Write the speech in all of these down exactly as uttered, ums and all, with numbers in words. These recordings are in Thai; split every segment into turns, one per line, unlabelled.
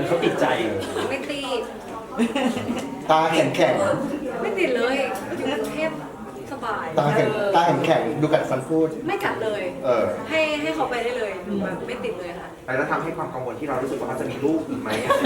เขาติดใจ
ไม่ติด
ตาแข็งแข็ง
ไม่ติดเลยอยู่กรุงเทพสบาย
ตาแข็งตาแข็งแข็งดูกัดฟันพูด
ไม่กัดเลย
เออ
ให้ให้เขาไปได้เลยแบบไม่ติดเลยค่ะ
แล้วทำให้ความกังวลที่เรารู้สึกว่าเขาจะมีลูกอีกไหม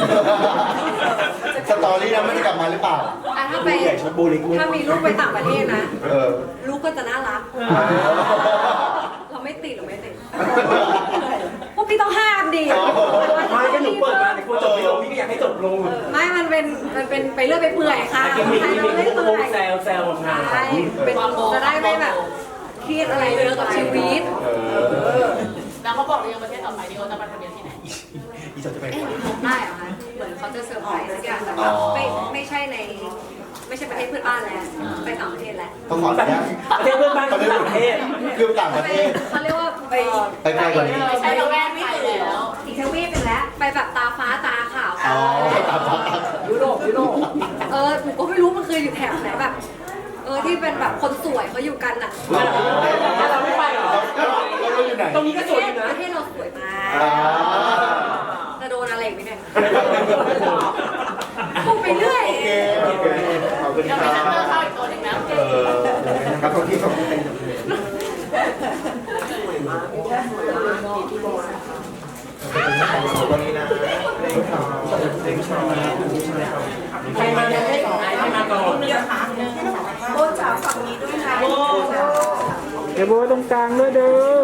สตอรี่นั้นมันจะกลับมาหรือเปล่า
อ่ะถ้าไปถ้ามีลูกไปต่างประเทศนะลูกก็จะน่ารักเราไม่ติดหรือไม่ติดพวกพี่ต้องห้ามดิ
ไม่ก็หนูเปิดมาแต่กลัวจบไม่ลงพี่ก็อยากให้จบลง
ไม่มันเป็นมันเป็นไปเรื่อยไปเปื่อยค่ะ
กินมีกินมีโค้งแซวแซวงาน
ใช่เป็นจะได้ไม่แบบเครียดอะไรเยอะกับชีวิต
แล้วเขาบอกเรื่องประเทศต่อไปที่เขาจะมาทะเบียนที่ไหน
อีจอจะไป
ได้เหรอคะเหมือนเขาจะเซอร์ไพรส์สักอย่างแต่ว่าไม่ไม่ใช่ในไม่ใช่ประเทศเพื่อนบ้านแล้วไปต่างประเทศแล้ว
ต้องขออนุญาต
ประเทศเพื่อนบ้านคือต่างประเทศ
คือต่างประเทศ
เขาเรียกว่าไป
ไปไกลกว่านี้
ใช่เราแวกไปแล้ว
อีกทวีปเป็นแล้วไปแบบตาฟ้าตาขาว
อ๋อตาฟ้า
ยุโรปยุโรป
เออหนูก็ไม่รู้มันคืออยู่แถบไหนแบบเออที่เป็นแบบคนสวยเขาอยู่กันอ่ะ
เราไม่ไปหรอ
เราอยู่ไหน
ตรงนี้ก็สวยนะ
ประเทศเราสวยมากจะโดนอะไรไหมเนี่ยพูดไปเรื่อย
โอเคโอเคขอบคุณค
เดี๋ยวไป
รับ
นั่งเจอเข้าอีกตัวหนึ่งนะ
เออครับตรงที่ผมเป็นตัวนี้นะเล้งชอเล้งชอ
ใครมาเนี่ยใครมาก่อน
โบจ๋าฝั่งนี้ด้วยนะ
เดี๋ยวโบตรงกลางด้วยเด้อ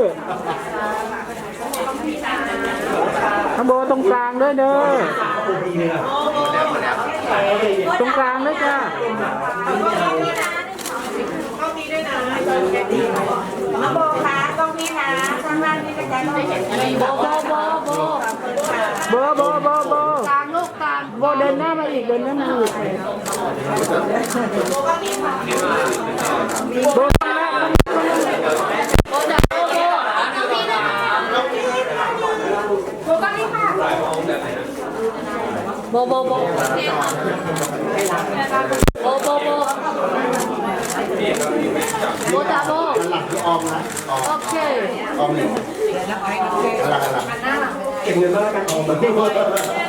ข้างโบตรงกลางด้วยเด้อตรงกลางด้วยจ้า
ต้องนี้ด้วยนะมาโบคะต้องนี้นะข้างล่างนี่กระจายต้องเห็นอะไรโบโบโบโบ
โบโบโบโบ
กลางลูกกลาง
โบเดินหน้ามาอีกเดินหน้ามาอีก
โบก็มีค่ะ
โบ
โบโบโบโบโบโบโบโบจ้าโบ
หลังที่ออมนะออม
โอเค
ออมหนึ่งหลังหลังเก็บเงินมาแล้วกันออมแบบนี้แรง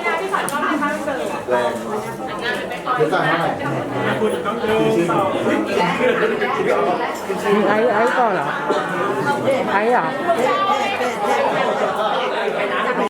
เดี๋ยวจ่ายเท่าไหร่
มีไอ้ไอ้ก่อนเหรอไอ้เหรอ